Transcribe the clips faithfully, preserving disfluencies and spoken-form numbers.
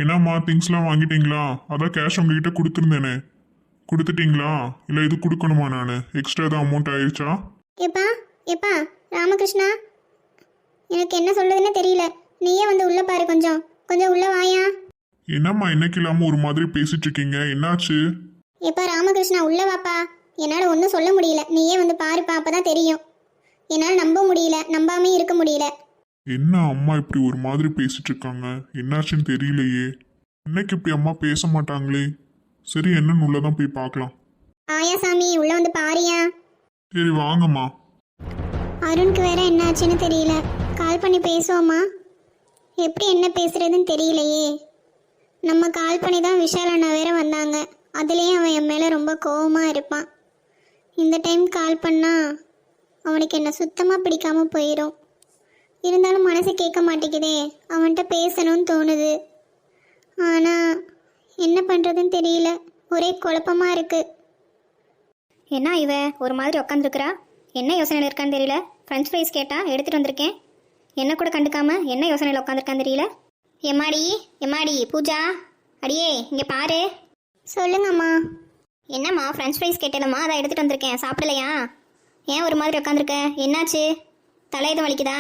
என்னம்மா திங்ஸ்லாம் வாங்கிட்டீங்களா? அதான் கேஷ் உங்ககிட்ட கொடுத்துருந்தேனே, கொடுத்துட்டீங்களா? இல்லை இது கொடுக்கணுமா? நான் எக்ஸ்ட்ரா தான் அமௌண்ட் ஆயிடுச்சா? எப்பா எப்பா ராமகிருஷ்ணா, எனக்கு என்ன சொல்றதுன்னு தெரியல. நீயே வந்து உள்ள பாரு, கொஞ்சம் கொஞ்சம் உள்ள வாயா. என்னம்மா இன்னைக்கு இல்லாமல் ஒரு மாதிரி பேசிட்டு இருக்கீங்க, என்னாச்சு? எப்பா ராமகிருஷ்ணா, உள்ள வாப்பா. என்னால் ஒன்றும் சொல்ல முடியல, நீயே வந்து பாருப்பா, அப்பதான் தெரியும். என்னால் நம்ப முடியல, நம்பாமே இருக்க முடியல. என்ன அம்மா இப்படி ஒரு மாதிரி பேசிட்டு இருக்காங்க, என்னாச்சுன்னு தெரியலையே. இன்னைக்கு இப்படி அம்மா பேச மாட்டாங்களே. சரி, என்னன்னு உள்ளதான் போய் பார்க்கலாம். ஆயா சாமி, உள்ள வந்து பாரியா. சரி வாங்கம்மா. அருணுக்கு வேற என்னாச்சுன்னு தெரியல. கால் பண்ணி பேசுவோமா? எப்படி என்ன பேசுறதுன்னு தெரியலையே. நம்ம கால் பண்ணி தான் விஷால் அண்ணா வேற வந்தாங்க. அதுலேயும் அவன் என் மேலே ரொம்ப கோவமாக இருப்பான். இந்த டைம் கால் பண்ணா அவனுக்கு என்ன சுத்தமாக பிடிக்காம போயிடும். இருந்தாலும் மனசு கேட்க மாட்டேங்குதே, அவன்கிட்ட பேசணும்னு தோணுது. ஆனால் என்ன பண்ணுறதுன்னு தெரியல, ஒரே குழப்பமாக இருக்கு. என்ன இவ ஒரு மாதிரி உட்காந்துருக்குறா? என்ன யோசனையில் இருக்கான்னு தெரியல. ஃப்ரெஞ்ச் ஃப்ரைஸ் கேட்டா எடுத்துகிட்டு வந்திருக்கேன். என்ன கூட கண்டுக்காம என்ன யோசனையில் உட்காந்துருக்கான்னு தெரியல. எம்மாடி எம்மாடி பூஜா, அடியே இங்கே பாரு. சொல்லுங்கம்மா. என்னம்மா ஃப்ரெஞ்ச் ஃப்ரைஸ் கேட்டேனம்மா, அதை எடுத்துகிட்டு வந்திருக்கேன். சாப்பிடலையா? ஏன் ஒரு மாதிரி உட்காந்துருக்க? என்னாச்சு? தலை எதுவும் வலிக்குதா?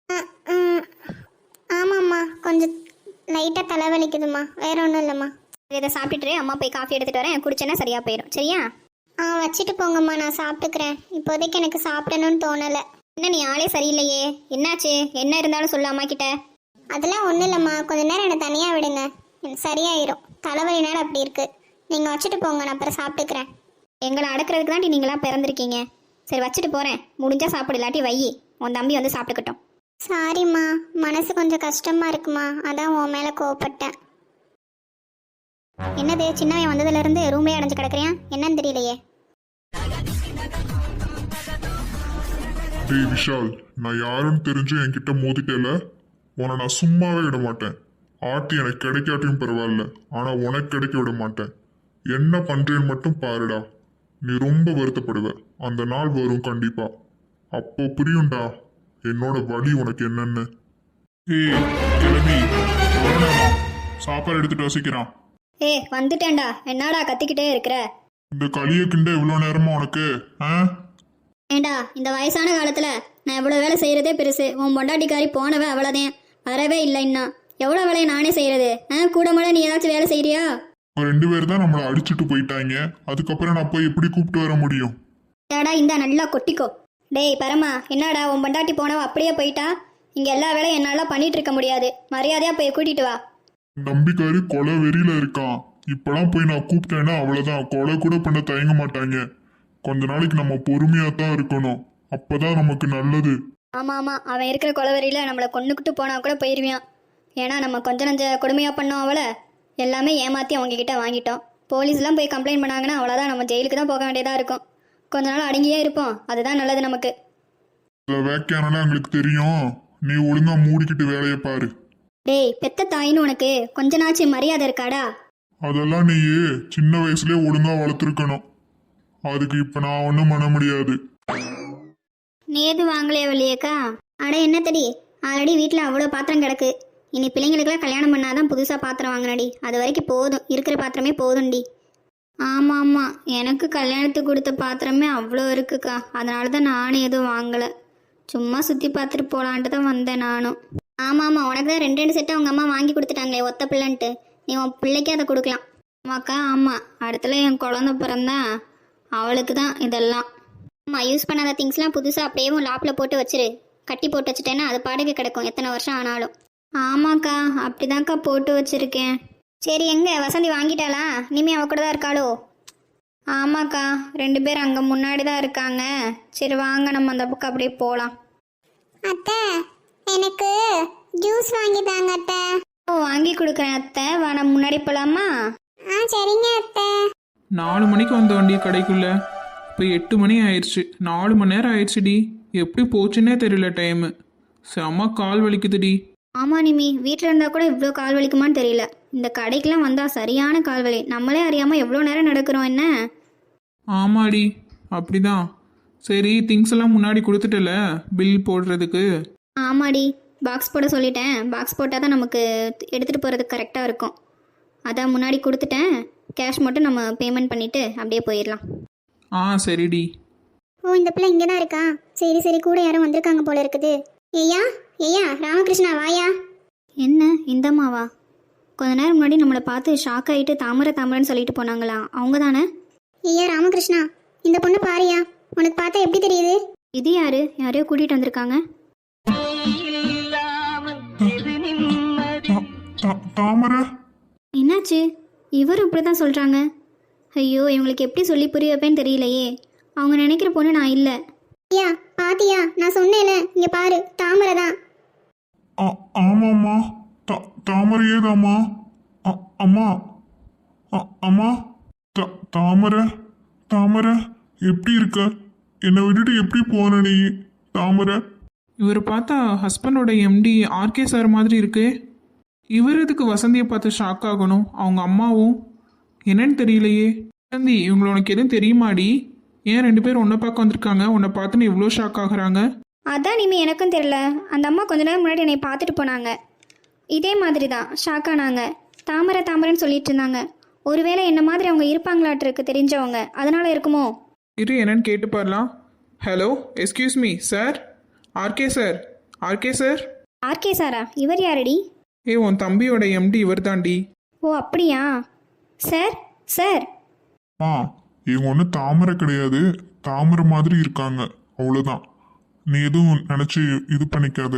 ஆமாம்மா, கொஞ்சம் லைட்டாக தலை வலிக்குதுமா, வேற ஒன்றும் இல்லைம்மா. இதை சாப்பிட்டுட்டு அம்மா போய் காஃபி எடுத்துகிட்டு வரேன், குடிச்சேன்னா சரியாக போயிடும். சரியா? ஆ வச்சுட்டு போங்கம்மா, நான் சாப்பிட்டுக்கிறேன். இப்போதைக்கு எனக்கு சாப்பிடணும்னு தோணலை. என்ன நீ ஆளே சரியில்லையே, என்னாச்சு? என்ன இருந்தாலும் சொல்லு அம்மா கிட்ட. அதெல்லாம் ஒன்றும் இல்லைம்மா, கொஞ்ச நேரம் என்னை தனியாக விடுங்க, எனக்கு சரியாயிரும். தலைவலினால அப்படி இருக்கு. நீங்கள் வச்சுட்டு போங்க, நான் அப்புறம் சாப்பிட்டுக்கிறேன். எங்களை அடக்கிறதுக்கு தாண்டி நீங்களாம் பிறந்திருக்கீங்க. சரி வச்சுட்டு போகிறேன், முடிஞ்சால் சாப்பிடு, இல்லாட்டி வை, உன் தம்பி வந்து சாப்பிட்டுக்கட்டும். சாரிம்மா, மனசு கொஞ்சம் கஷ்டமாக இருக்குமா, அதான் உன் மேலே கோவப்பட்டேன். என்னது சின்னவன் வந்ததுலேருந்து ரூம்லேயே அடைஞ்சு கிடக்குறியா? என்னன்னு தெரியலையே. டேய் விஷால், நான் யாருன்னு தெரிஞ்சு என்கிட்ட மோதிட்டேல, உன்னை நான் சும்மாவே விட மாட்டேன். ஆட்டி எனக்கு கிடைக்காட்டியும் பரவாயில்ல, ஆனால் உனக்கு கிடைக்க விட மாட்டேன். என்ன பண்றேன்னு மட்டும் பாருடா. நீ ரொம்ப வருத்தப்படுவ. அந்த நாள் வரும் கண்டிப்பா, அப்போ புரியும்டா என்னோட வலி உனக்கு என்னன்னு. ஏய் கிளம்பி சாப்பாடு எடுத்துட்டு வசிக்கிறான். ஏ வந்துட்டேன்டா, என்னடா கத்திக்கிட்டே இருக்கிற? இந்த களிய கிண்ட இவ்வளோ நேரமா உனக்கு? ஆ ஏண்டா, இந்த வயசான காலத்துல நான் எவ்வளோ வேலை செய்யறதே பெருசு. உன் பொண்டாட்டிக்காரி போனவ அவ்வளோதான், வரவே இல்லை. இன்னும் எவ்வளோ வேலையை நானே செய்யறது? ஆ கூட மாட நீ ஏதாச்சும் வேலை செய்யறியா? ரெண்டு பேர் தான் நம்மளை அடிச்சுட்டு போயிட்டாங்க, அதுக்கப்புறம் நான் போய் எப்படி கூப்பிட்டு வர முடியும்? ஏடா இந்த நல்லா கொட்டிக்கோ. டேய் பரமா, என்னடா உன் பொண்டாட்டி போனவ அப்படியே போயிட்டா? இங்க எல்லா வேலையும் என்னால பண்ணிட்டு இருக்க முடியாது, மரியாதையா போய் கூட்டிட்டு வா. நம்பிக்காரி கொலை வெறியில இருக்கான். இப்பெல்லாம் போய் நான் கூப்பிட்டேன்னா அவ்வளவுதான், கொலை கூட பண்ண தயங்க மாட்டாங்க. கொஞ்ச நாளைக்கு நம்ம பொறுமையா தான் இருக்கணும், அப்பதான் நமக்கு நல்லது. ஆமா ஆமா, அவன் இருக்கிற கொலவரியில நம்மளை கொண்டுக்கிட்டு போனா கூட போயிருவியான். ஏன்னா நம்ம கொஞ்ச நஞ்ச கொடுமையா பண்ணோம் அவளை, எல்லாமே ஏமாத்தி அவங்க கிட்ட வாங்கிட்டோம். போலீஸ்லாம் போய் கம்ப்ளைண்ட் பண்ணாங்கன்னா அவ்வளோதான், நம்ம ஜெயிலுக்கு தான் போக வேண்டியதா இருக்கும். கொஞ்ச நாள் அடங்கியே இருப்போம், அதுதான் நல்லது நமக்கு. வேக்கையானால எங்களுக்கு தெரியும், நீ ஒழுங்கா மூடிக்கிட்டு வேலையை பாரு. டேய் பெத்த தாயின்னு உனக்கு கொஞ்ச நாச்சு மரியாதை இருக்காடா? அதெல்லாம் நீ சின்ன வயசுலயே ஒழுங்கா வளர்த்துருக்கணும், அதுக்கு இப்ப நான் ஒன்றும் பண்ண முடியாது. நீ எது வாங்கலையே வள்ளியக்கா? அட என்ன தடி, ஆல்ரெடி வீட்டில் அவ்வளோ பாத்திரம் கிடக்கு. இனி பிள்ளைங்களுக்குலாம் கல்யாணம் பண்ணாதான் புதுசாக பாத்திரம் வாங்கினடி, அது வரைக்கும் போதும், இருக்கிற பாத்திரமே போதும்டி. ஆமாம் ஆமாம், எனக்கு கல்யாணத்துக்கு கொடுத்த பாத்திரமே அவ்வளோ இருக்குக்கா, அதனால தான் நானும் எதுவும் வாங்கலை. சும்மா சுற்றி பார்த்துட்டு போகலான்ட்டு தான் வந்தேன் நானும். ஆமாம் ஆமாம், உனக்கு தான் ரெண்டு ரெண்டு செட்டு அவங்க அம்மா வாங்கி கொடுத்துட்டாங்களே ஒத்த பிள்ளைன்ட்டு, நீ உன் பிள்ளைக்கே அதை கொடுக்கலாம். ஆமாக்கா ஆமாம், அடுத்துல என் குழந்த பிறந்தா அவளுக்கு தான் இதெல்லாம். ஆமாம், யூஸ் பண்ணாத திங்ஸ்லாம் புதுசாக அப்படியே லாப்பில் போட்டு வச்சிரு, கட்டி போட்டு வச்சுட்டேன்னா அது பாடகை கிடக்கும் எத்தனை வருஷம் ஆனாலும். ஆமாக்கா அப்படிதான்க்கா போட்டு வச்சிருக்கேன். சரி எங்க வசந்தி வாங்கிட்டாளா? இனிமே அவ கூட தான் இருக்காளோ? ஆமாக்கா, ரெண்டு பேர் அங்கே முன்னாடி தான் இருக்காங்க. சரி வாங்க நம்ம அந்த பக்கம் அப்படியே போகலாம். அத்தை, எனக்கு ஜூஸ் வாங்கி தாங்க அத்தை. ஓ வாங்கி கொடுக்குறேன் அத்தை, வா நம்ம முன்னாடி போகலாமா? ஆ சரிங்க அத்தை. நாலு மணிக்கு வந்த வண்டி கடைக்குள்ள, இப்போ எட்டு மணி ஆயிடுச்சு. நாலு மணி நேரம் ஆயிடுச்சுடி, எப்படி போச்சுன்னே தெரியல டைமு. செம்ம கால் வலிக்குதுடி. ஆமாம் நிமி, வீட்டில் இருந்தால் கூட இவ்வளோ கால் வலிக்குமான்னு தெரியல. இந்த கடைக்கெலாம் வந்தால் சரியான கால் வலி, நம்மளே அறியாமல் எவ்வளோ நேரம் நடக்கிறோம். என்ன? ஆமாடி அப்படிதான். சரி திங்ஸ் எல்லாம் முன்னாடி கொடுத்துட்டல பில் போடுறதுக்கு? ஆமாடி, பாக்ஸ் போட சொல்லிட்டேன். பாக்ஸ் போட்டால் தான் நமக்கு எடுத்துகிட்டு போகிறதுக்கு கரெக்டாக இருக்கும். அதான் முன்னாடி கொடுத்துட்டேன். கேஷ் மட்டும் நம்ம பேமெண்ட் பண்ணிவிட்டு அப்படியே போயிடலாம். ஆ சரிடி. ஓ இந்த பிள்ளை இங்கே தான் இருக்கா. சரி சரி, கூட யாரும் வந்திருக்காங்க போல இருக்குது. ஐயா ஐயா ராமகிருஷ்ணா வாயா. என்ன இந்தம்மாவா? கொஞ்ச நேரம் முன்னாடி நம்மளை பார்த்து ஷாக் ஆகிட்டு தாமரை தாமரைன்னு சொல்லிட்டு போனாங்களா, அவங்க தானே? ஐயா ராமகிருஷ்ணா, இந்த பொண்ணு பாரியா. உனக்கு பார்த்தா எப்படி தெரியுது? இது யாரு? யாரையோ கூட்டிகிட்டு வந்திருக்காங்க. தா- தா- தாமரை. என்னாச்சு? இவரும் இப்படி தான் சொல்கிறாங்க. ஐயோ, இவங்களுக்கு எப்படி சொல்லி புரிய வைப்பேன்னு தெரியலையே. அவங்க நினைக்கிற பொண்ணு நான் இல்லை. ஐயா பாத்தியா, நான் சொன்னேன்ல, இங்க பாரு தாமரை தான். ஆ- ஆமாம்மா, தா- தாமரையே தாம்மா. அ- அம்மா அ- அம்மா தா- தாமரை தாமரை எப்படி இருக்க? என்னை விட்டுட்டு எப்படி போன நீ தாமரை? இவர் பார்த்தா ஹஸ்பண்டோட எம்டி ஆர்கே சார் மாதிரி இருக்கு. இவர் எதுக்கு வசந்தியை பார்த்து ஷாக் ஆகணும்? அவங்க அம்மாவும் என்னன்னு தெரியலையே. வசந்தி, இவங்களை உனக்கு எதுவும் தெரியுமாடி? ஏன் ரெண்டு பேரும் உன்னை பார்க்க வந்திருக்காங்க, உன்னை பார்த்துன்னு இவ்வளோ ஷாக் ஆகுறாங்க? அதான் இனிமே எனக்கும் தெரியல. அந்த அம்மா கொஞ்ச நேரம் முன்னாடி என்னை பார்த்துட்டு போனாங்க. இதே மாதிரி தான் ஷாக் ஆனாங்க. தாமரை தாமரைன்னு சொல்லிட்டு இருந்தாங்க. ஒருவேளை என்ன மாதிரி அவங்க இருப்பாங்களாட்டிருக்கு தெரிஞ்சவங்க, அதனால இருக்குமோ? இரு என்னன்னு கேட்டு பாரலாம். Hello, excuse me sir. RK sir, RK sir. RK சாரா? இவர் யாரடி? ஏ, உன் தம்பியோட எம்டி இவர் தாண்டி. ஓ அப்படியா? Sir sir. ஆ இவங்க ஒன்றும் தாமரை கிடையாது, தாமரை மாதிரி இருக்காங்க, அவ்வளோதான். நீ எதுவும் நினச்சி இது பண்ணிக்காத.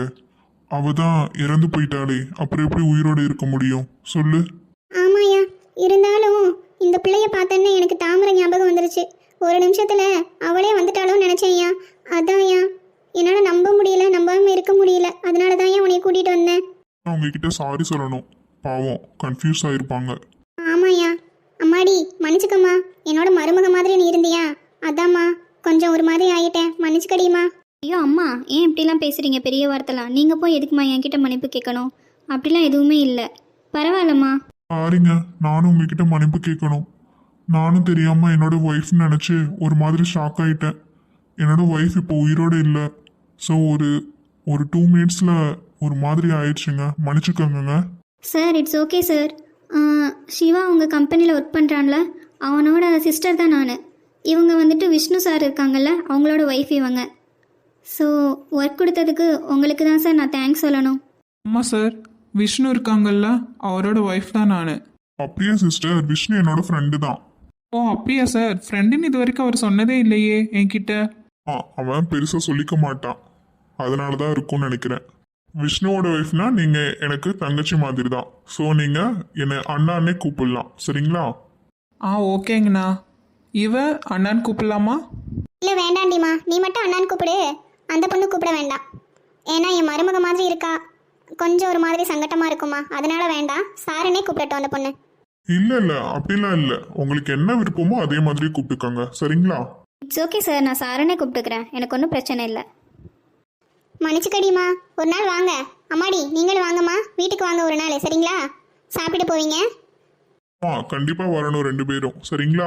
அவ தான் இறந்து போயிட்டாளே, அப்புறம் எப்படி உயிரோடு இருக்க முடியும் சொல்லு? ஆமாயா, இருந்தாலும் இந்த பிள்ளைய பார்த்தேன்னு எனக்கு தாமரை ஞாபகம் வந்துருச்சு. ஒரு நிமிஷத்துல அவளே வந்துட்டாலும் நினைச்சேன்யா. அதான்யா, என்னால நம்ப முடியல, நம்பாம இருக்க முடியல. அதனால தான் உன்னை கூட்டிட்டு வந்தேன். அவங்க கிட்ட சாரி சொல்லணும், பாவம் கன்ஃபியூஸ் ஆயிருப்பாங்க. ஆமாயா. அம்மாடி மன்னிச்சுக்கம்மா, என்னோட மருமக மாதிரி நீ இருந்தியா, அதாம்மா கொஞ்சம் ஒரு மாதிரி ஆயிட்டேன், மன்னிச்சுக்கடிமா. ஐயோ அம்மா, ஏன் இப்படிலாம் பேசுகிறீங்க? பெரிய வார்த்தைலாம். நீங்கள் போய் எதுக்குமா என்கிட்ட மன்னிப்பு கேட்கணும்? அப்படிலாம் எதுவுமே இல்லை. பரவாயில்லம்மா. பாருங்க, நானும் உங்ககிட்ட மன்னிப்பு கேட்கணும். நானும் தெரியாம என்னோட ஒய்ஃப் நினைச்சு ஒரு மாதிரி ஷாக் ஆயிட்டேன். என்னோட ஒய்ஃப் இப்போ உயிரோடு இல்லை. ஸோ ஒரு ஒரு டூ மினிட்ஸில் ஒரு மாதிரி ஆயிடுச்சுங்க, மன்னிச்சுக்கோங்க. Sir it's okay sir. Shiva உங்கள் கம்பெனியில் ஒர்க் பண்ணுறான்ல, அவனோட சிஸ்டர் தான் நான். இவங்க வந்துட்டு விஷ்ணு சார் இருக்காங்கல்ல, அவங்களோட ஒய்ஃப் இவங்க. ஸோ ஒர்க் கொடுத்ததுக்கு உங்களுக்கு தான் சார் நான் தேங்க்ஸ் சொல்லணும். அம்மா சார், விஷ்ணு இருக்காங்கல்ல, அவரோட ஒய்ஃப் தான் நான். அப்படியே சிஸ்டர், விஷ்ணு என்னோட ஃப்ரெண்டு தான். ஓ அப்படியா சார்? ஃப்ரெண்டுன்னு இது வரைக்கும் அவர் சொன்னதே இல்லையே என்கிட்ட. ஆ அவன் பெருசாக சொல்லிக்க மாட்டான், அதனால தான் இருக்கும்னு நினைக்கிறேன். விஷ்ணுவோட ஒய்ஃப்னா நீங்கள் எனக்கு தங்கச்சி மாதிரி தான். ஸோ நீங்கள் என்னை அண்ணான்னே கூப்பிடலாம், சரிங்களா? ஆ ஓகேங்கண்ணா. இவ அண்ணான்னு கூப்பிடலாமா? இல்லை வேண்டாண்டிம்மா, நீ மட்டும் அண்ணான்னு கூப்பிடு, அந்த பொண்ணு கூப்பிட வேண்டாம். ஏன்னா என் மருமக மாதிரி இருக்கா, கொஞ்சம் ஒரு மாதிரி சங்கட்டமா இருக்குமா, அதனால வேண்டாம். சாரனே கூப்பிடட்டும் அந்த பொண்ணு. இல்லை இல்லை அப்படிலாம் இல்லை, உங்களுக்கு என்ன விருப்பமோ அதே மாதிரி கூப்பிட்டுக்கோங்க, சரிங்களா? இட்ஸ் ஓகே சார், நான் சாரனே கூப்பிட்டுக்கிறேன், எனக்கு ஒன்றும் பிரச்சனை இல்லை. மன்னிச்சுக்கடிமா, ஒரு நாள் வாங்க. அம்மாடி நீங்களும் வாங்கம்மா, வீட்டுக்கு வாங்க ஒரு நாள், சரிங்களா? சாப்பிட்டு போவீங்க. ஆ கண்டிப்பாக வரணும் ரெண்டு பேரும், சரிங்களா?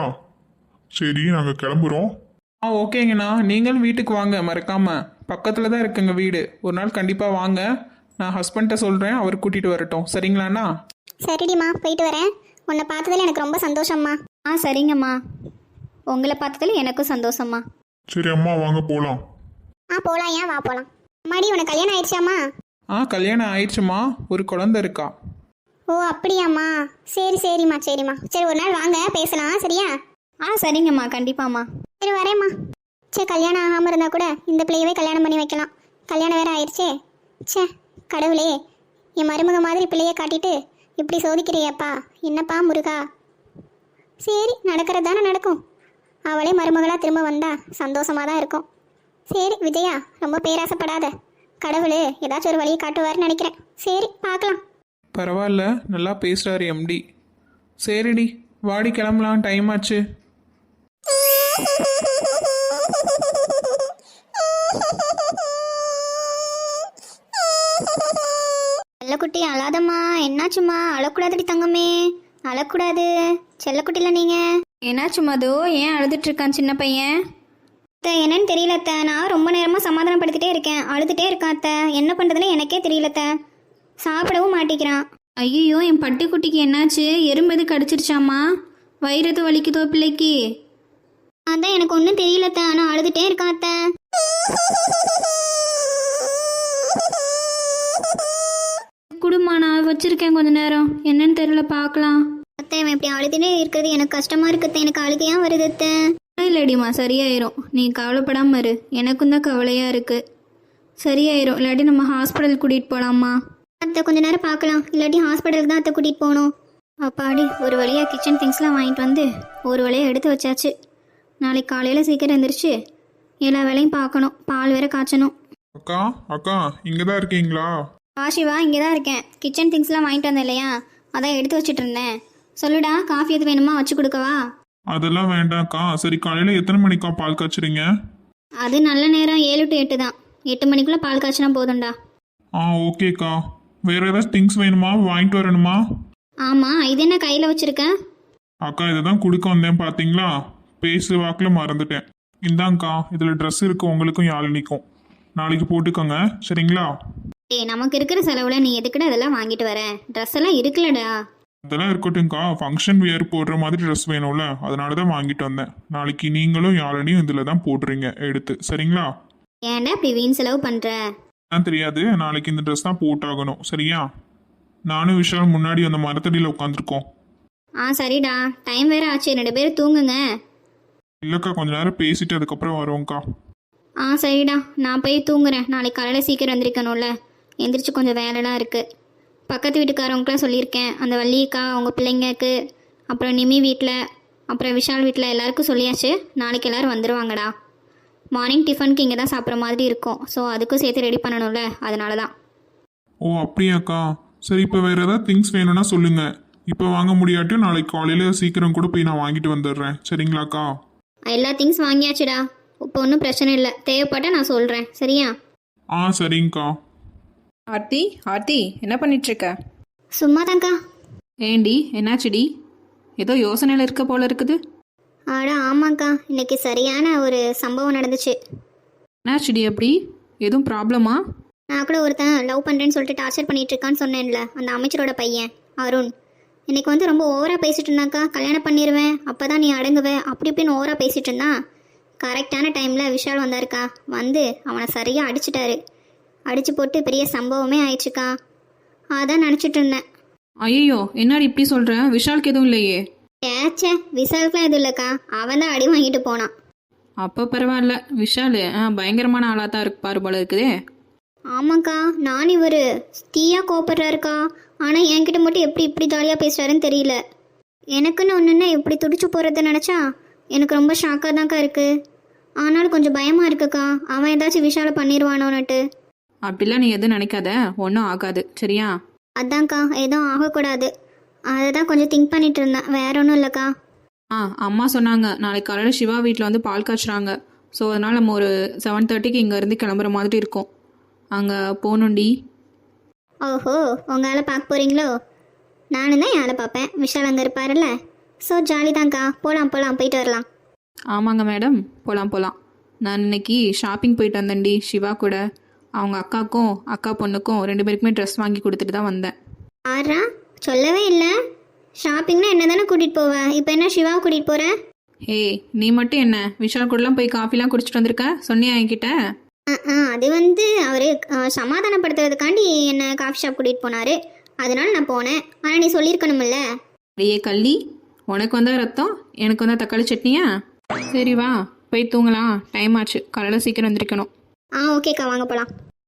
சரி நாங்கள் கிளம்புறோம். ஆ ஓகேங்கண்ணா, நீங்களும் வீட்டுக்கு வாங்க மறக்காம. பக்கத்தில் தான் இருக்குங்க வீடு. ஒரு நாள் கண்டிப்பாக வாங்க. நான் ஹஸ்பண்ட்டை சொல்கிறேன், அவர் கூட்டிகிட்டு வரட்டும், சரிங்களாண்ணா? சரிடிம்மா, போயிட்டு வரேன். உன்னை பார்த்ததுல எனக்கு ரொம்ப சந்தோஷம்மா. ஆ சரிங்கம்மா, உங்களை பார்த்ததுல எனக்கும் சந்தோஷம்மா. சரி அம்மா வாங்க போகலாம். ஆ போலாம், ஏன் வா போலாம். அம்மாடி உனக்கு கல்யாணம் ஆயிடுச்சாம்மா? ஆ கல்யாணம் ஆயிடுச்சுமா, ஒரு குழந்தை இருக்கா. ஓ அப்படியாம்மா, சரி சரிம்மா சரிம்மா. சரி ஒரு நாள் வாங்க பேசலாம், சரியா? ஆ சரிங்கம்மா, கண்டிப்பாம்மா. சரி வரேம்மா. சே, கல்யாணம் ஆகாமல் இருந்தால் கூட இந்த பிள்ளையவே கல்யாணம் பண்ணி வைக்கலாம். கல்யாணம் வேற ஆயிடுச்சே. சே கடவுளே, என் மருமக மாதிரி பிள்ளையை காட்டிட்டு இப்படி சோதிக்கிறியப்பா, என்னப்பா முருகா. சரி நடக்கிறது தானே நடக்கும். அவளே மருமகளாக திரும்ப வந்தா சந்தோஷமாக தான் இருக்கும். சரி விஜயா, ரொம்ப பேராசைப்படாத. கடவுள் ஏதாச்சும் ஒரு வழியை காட்டுவார்னு நினைக்கிறேன். சரி பார்க்கலாம். பரவாயில்ல, நல்லா பேசுகிறாரு எம்டி. சரிடி, வாடி கிளம்பலாம், டைம் ஆச்சு. செல்லக்குட்டி அழாதம்மா. என்னாச்சும்மா? அழக்கூடாதுடி தங்கமே, அழக்கூடாது. செல்லக்குட்டில நீங்க என்னாச்சும்மா? அதோ ஏன் அழுதுட்டு இருக்கான் சின்ன பையன்? அத்தை என்னன்னு தெரியல அத்தை, நான் ரொம்ப நேரமாக சமாதானப்படுத்திட்டே இருக்கேன், அழுதுகிட்டே இருக்கான் அத்தை. என்ன பண்ணுறதுன்னு எனக்கே தெரியல அத்தை. சாப்பிடவும் மாட்டேங்கிறான். ஐயோ என் பட்டிக்குட்டிக்கு என்னாச்சு? எறும்பு எது கடிச்சிருச்சாம்மா? வயிறு எது வலிக்குதோ பிள்ளைக்கு? அதான் எனக்கு ஒன்றும் தெரியலத்த, ஆனால் அழுதுகிட்டே இருக்கான் அத்தை. குடுமா, நான் வச்சிருக்கேன் கொஞ்ச நேரம், என்னன்னு தெரியல, பார்க்கலாம். அத்தை இவன் இப்படி அழுதுகிட்டே இருக்கிறது எனக்கு கஷ்டமாக இருக்குது. எனக்கு அழுகையா வருது அத்தை. இல்லடிம்மா, சரியாயிரும், நீ கவலைப்படாம இரு. எனக்கும் தான் கவலையாக இருக்கு. சரியாயிரும். இல்லாட்டி நம்ம ஹாஸ்பிட்டல் கூட்டிகிட்டு போகலாமா? அத்தை கொஞ்ச நேரம் பார்க்கலாம், இல்லாட்டி ஹாஸ்பிட்டலுக்கு தான் அத்தை கூட்டிகிட்டு போகணும். அப்பாடி, ஒரு வழியாக கிச்சன் திங்ஸ்லாம் வாங்கிட்டு வந்து ஒரு வழியாக எடுத்து வச்சாச்சு. நாளைக்கு காலையில் சீக்கிரம் எழுந்திரிச்சு எல்லா வேலையும் பார்க்கணும். பால் வேற காய்ச்சணும். அக்கா அக்கா இங்கே தான் இருக்கீங்களா? ஆஷிவா, இங்கே தான் இருக்கேன். கிச்சன் திங்ஸ்லாம் வாங்கிட்டு வந்தேன் இல்லையா, அதான் எடுத்து வச்சுட்டு இருந்தேன். சொல்லுடா, காஃபி எது வேணுமா வச்சு கொடுக்கவா? அதெல்லாம் வேண்டாம்க்கா. சரி, காலையில் எத்தனை மணிக்கா பால் காய்ச்சுறீங்க? அது நல்ல நேரம் ஏழு டு எட்டு தான். எட்டு மணிக்குள்ளே பால் காய்ச்சினா போதும்டா. ஆ ஓகேக்கா. வேற ஏதாவது திங்ஸ் வேணுமா? வாங்கிட்டு வரணுமா? ஆமாம், இது என்ன கையில் வச்சுருக்கேன்? அக்கா இதை தான் கொடுக்க வந்தேன், பார்த்தீங்களா? பேசு வாக்கில் மறந்துட்டேன். இந்தாங்க்கா, இதில் ட்ரெஸ் இருக்கு, உங்களுக்கும் யாழினிக்கும். நாளைக்கு போட்டுக்கோங்க, சரிங்களா? ஏய், நமக்கு இருக்கிற செலவில் நீ எதுக்குடா இதெல்லாம் வாங்கிட்டு வர? ட்ரெஸ் எல்லாம் இருக்குல்லடா. அதெல்லாம் இருக்கட்டும்க்கா. ஃபங்க்ஷன் வியர் போடுற மாதிரி ட்ரெஸ் வேணும்ல, அதனால தான் வாங்கிட்டு வந்தேன். நாளைக்கு நீங்களும் யாழினியும் இதில் தான் போடுறீங்க எடுத்து, சரிங்களா? ஏன்டா இப்படி வீண் செலவு பண்ணுற? நான் தெரியாது, நாளைக்கு இந்த ட்ரெஸ் தான் போட்டாகணும், சரியா? நானும் விஷால் முன்னாடி அந்த மரத்தடியில் உட்காந்துருக்கோம். ஆ சரிடா, டைம் வேற ஆச்சு, ரெண்டு பேரும் தூங்குங்க. இல்லைக்கா, கொஞ்ச நேரம் பேசிட்டு அதுக்கப்புறம் வரோம்க்கா. ஆ சரிடா, நான் போய் தூங்குறேன். நாளைக்கு காலையில் சீக்கிரம் எந்திரிக்கணும்ல, எந்திரிச்சு கொஞ்சம் வேலைலாம் இருக்குது. பக்கத்து வீட்டுக்காரவங்களுக்குலாம் சொல்லியிருக்கேன், அந்த வள்ளிக்கா அவங்க பிள்ளைங்களுக்கு, அப்புறம் நிமி வீட்டில், அப்புறம் விஷால் வீட்டில் எல்லாருக்கும் சொல்லியாச்சு. நாளைக்கு எல்லோரும் வந்துடுவாங்கடா. மார்னிங் டிஃபனுக்கு இங்கே தான் சாப்பிட்ற மாதிரி இருக்கும். ஸோ அதுக்கும் சேர்த்து ரெடி பண்ணணும்ல, அதனால தான். ஓ அப்படியாக்கா. சரி, இப்போ வேறு ஏதாவது திங்ஸ் வேணும்னா சொல்லுங்கள். இப்போ வாங்க முடியாட்டியும் நாளைக்கு காலையில் சீக்கிரம் கூட போய் நான் வாங்கிட்டு வந்துடுறேன், சரிங்களாக்கா? எல்லா திங்ஸ் வாங்கியாச்சுடா, இப்போ ஒன்றும் பிரச்சனை இல்லை. தேவைப்பட்ட நான் சொல்கிறேன், சரியா? ஆ சரிங்கக்கா. ஆர்த்தி ஆர்த்தி என்ன பண்ணிட்டுருக்க? சும்மா தாங்க்கா. ஏண்டி, என்னாச்சுடி? ஏதோ யோசனையில் இருக்க போல இருக்குது. ஆட ஆமாங்க்கா, இன்னைக்கு சரியான ஒரு சம்பவம் நடந்துச்சு. என்னாச்சுடி அப்படி? எதுவும் ப்ராப்ளமா? நான் கூட ஒருத்தன் லவ் பண்ணுறேன்னு சொல்லிட்டு டார்ச்சர் பண்ணிட்டு இருக்கான்னு சொன்னேன்ல, அந்த அமைச்சரோட பையன் அருண். இன்னைக்கு வந்து ரொம்ப ஓவராக பேசிட்டு இருந்தாக்கா. கல்யாணம் பண்ணிடுவேன், அப்போ தான் நீ அடங்குவே, அப்படி இப்படின்னு ஓவராக பேசிட்டு இருந்தான். கரெக்டான டைமில் விஷால் வந்தாருக்கா. வந்து அவனை சரியாக அடிச்சிட்டாரு. அடிச்சு போட்டு பெரிய சம்பவமே ஆயிடுச்சுக்கா. அதான் நினச்சிட்டு இருந்தேன். ஐயோ, என்னடி இப்படி சொல்கிற? விஷாலுக்கு எதுவும் இல்லையே? ஏச்சே, விசாலுக்குலாம் எதுவும் இல்லைக்கா, அவன் தான் அடி வாங்கிட்டு போனான். அப்போ பரவாயில்ல. விஷால் ஆ பயங்கரமான ஆளாக தான் இருக்கு பாரு போல இருக்குதே. ஆமாக்கா, நான் இவர் தீயா கோபப்படுறாருக்கா. ஆனால் என்கிட்ட மட்டும் எப்படி இப்படி ஜாலியாக பேசுகிறாருன்னு தெரியல. எனக்குன்னு ஒன்றுன்னா எப்படி துடிச்சு போகிறத நினச்சா எனக்கு ரொம்ப ஷாக்காக தான்க்கா இருக்குது. ஆனாலும் கொஞ்சம் பயமாக இருக்குக்கா, அவன் ஏதாச்சும் விஷால பண்ணிடுவானோன்னுட்டு. அப்படிலாம் நீ எதுவும் நினைக்காத, ஒன்றும் ஆகாது, சரியா? அதான்க்கா, எதுவும் ஆகக்கூடாது. அதை தான் கொஞ்சம் திங்க் பண்ணிட்டு இருந்தேன், வேற ஒன்றும் இல்லைக்கா. ஆ அம்மா சொன்னாங்க நாளைக்கு காலையில் சிவா வீட்டில் வந்து பால் காய்ச்சுறாங்க. ஸோ அதனால் நம்ம ஒரு செவன் தேர்ட்டிக்கு இங்கேருந்து கிளம்புற மாதிரி இருக்கும். அங்கே போகணுண்டி. ஓஹோ, உங்கள் ஆளை பார்க்க போகிறீங்களோ? நானும் தான் என் ஆளை பார்ப்பேன், விஷால் அங்கே இருப்பாருல்ல. ஸோ ஜாலி தான்க்கா, போகலாம் போகலாம், போயிட்டு வரலாம். ஆமாங்க மேடம், போகலாம் போகலாம். நான் இன்னைக்கு ஷாப்பிங் போயிட்டு வந்தேன்டி சிவா கூட. அவங்க அக்காவுக்கும் அக்கா பொண்ணுக்கும் ரெண்டு பேருக்குமே ட்ரெஸ் வாங்கி கொடுத்துட்டு தான் வந்தேன். ஆறா, சொல்லவே இல்லை. ஷாப்பிங்னா என்ன தானே கூட்டிகிட்டு போவேன், இப்போ என்ன சிவாவை கூட்டிகிட்டு போகிறேன்? ஏய், நீ மட்டும் என்ன விஷால் கூடலாம் போய் காஃபிலாம் குடிச்சிட்டு வந்திருக்க? சொன்னியா என்கிட்ட? ஆ ஆ அது வந்து அவர் சமாதானப்படுத்துறதுக்காண்டி என்னை காஃபி ஷாப் கூட்டிகிட்டு போனார், அதனால நான் போனேன். ஆனால் நீ சொல்லியிருக்கணுமில்ல. அடியே கள்ளி, உனக்கு வந்தா ரத்தம், எனக்கு வந்தா தக்காளி சட்னியா? சரி வா, போய் தூங்கலாம், டைம் ஆச்சு, காலையில் சீக்கிரம் வந்திருக்கணும். ஆ ஓகேக்கா, வாங்க போகலாம்.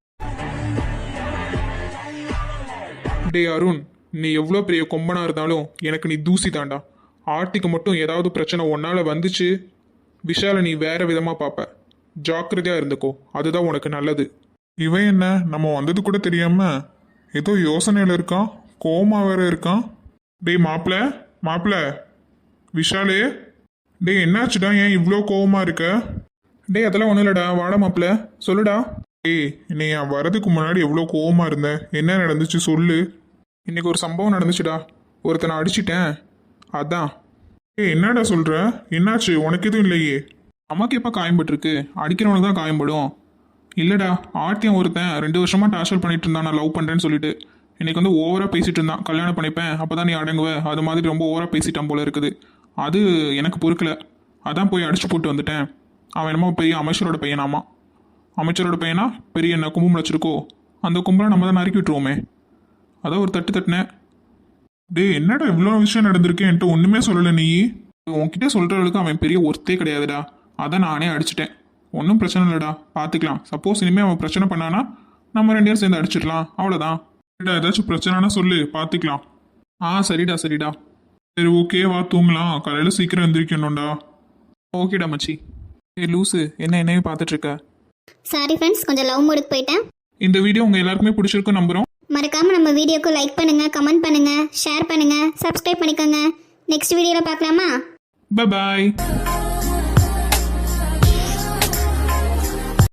டே அருண், நீ எவ்வளோ பெரிய கொம்பனா இருந்தாலும் எனக்கு நீ தூசி தாண்டா. ஆர்த்திக்கு மட்டும் ஏதாவது பிரச்சனை ஒன்னால் வந்துச்சு, விஷாலை நீ வேற விதமாக பார்ப்ப. ஜாக்கிரதையாக இருந்துக்கோ, அதுதான் உனக்கு நல்லது. இவன் என்ன நம்ம வந்தது கூட தெரியாம ஏதோ யோசனையில் இருக்கான், கோமா வேற இருக்கான். டேய் மாப்பிள்ள மாப்பிள்ள விஷாலே, டே என்னாச்சுடா, ஏன் இவ்வளோ கோவமா இருக்க? டே அதெல்லாம் ஒன்றும் இல்லைடா, வாடா மாப்பிள்ள, சொல்லுடா. ஏய், நீ என் வரதுக்கு முன்னாடி எவ்வளோ கோவமா இருந்த, என்ன நடந்துச்சு சொல்லு. இன்னைக்கு ஒரு சம்பவம் நடந்துச்சுடா, ஒருத்தனை அடிச்சிட்டேன், அதான். ஏய் என்னடா சொல்ற, என்னாச்சு? உனக்கு எதுவும் இல்லையே? அம்மாக்கு எப்போ காயம்பட்டுருக்கு? அடிக்கிறவனுக்கு தான் காயம்படும். இல்லைடா, ஆர்த்தியம் ஒருத்தன் ரெண்டு வருஷமா டார்ச்சர் பண்ணிட்டு இருந்தான் நான் லவ் பண்ணுறேன்னு சொல்லிட்டு. இன்னைக்கு வந்து ஓவராக பேசிட்டு இருந்தான். கல்யாணம் பண்ணிப்பேன் அப்போ தான் நீ அடங்குவ, அது மாதிரி ரொம்ப ஓவராக பேசிட்டான் போல இருக்குது. அது எனக்கு பொறுக்கல, அதான் போய் அடிச்சு போட்டு வந்துட்டேன். அவன் என்னமோ பெரிய அமைச்சரோட பையனாமா. அமைச்சரோட பையனா பெரிய என்ன கும்பம் வச்சிருக்கோ, அந்த கும்பலை நம்ம தான் நறுக்கி விட்டுருவோமே. அதான் ஒரு தட்டு தட்டினேன். டேய் என்னடா இவ்வளோ விஷயம் நடந்திருக்கு, என்கிட்ட ஒன்றுமே சொல்லலை நீ. உன்கிட்ட சொல்கிறவளுக்கு அவன் பெரிய ஒர்த்தே கிடையாதுடா, அதான் நானே அடிச்சிட்டேன். ஒன்றும் பிரச்சனை இல்லைடா, பார்த்துக்கலாம். சப்போஸ் இனிமேல் அவன் பிரச்சனை பண்ணானா நம்ம ரெண்டு பேரும் சேர்ந்து அடிச்சிடலாம், அவ்வளோதான். சரிடா, ஏதாச்சும் பிரச்சனைனா சொல்லு, பார்த்துக்கலாம். ஆ சரிடா சரிடா. சரி ஓகே, வா தூங்கலாம், காலையில் சீக்கிரம் எந்திரிக்கணும்டா. ஓகேடா மச்சி. ஏ லூஸு, என்ன என்னையே பார்த்துட்ருக்க? சாரி ஃப்ரெண்ட்ஸ், கொஞ்சம் லவ் மூடுக்கு போயிட்டேன். இந்த வீடியோ உங்கள் எல்லாருக்குமே பிடிச்சிருக்கும் நம்புகிறோம். மறக்காம நம்ம வீடியோக்கு லைக் பண்ணுங்க, கமெண்ட் பண்ணுங்க, ஷேர் பண்ணுங்க, சப்ஸ்கிரைப் பண்ணிக்கோங்க. நெக்ஸ்ட் வீடியோவில் பார்க்கலாமா? பாய்.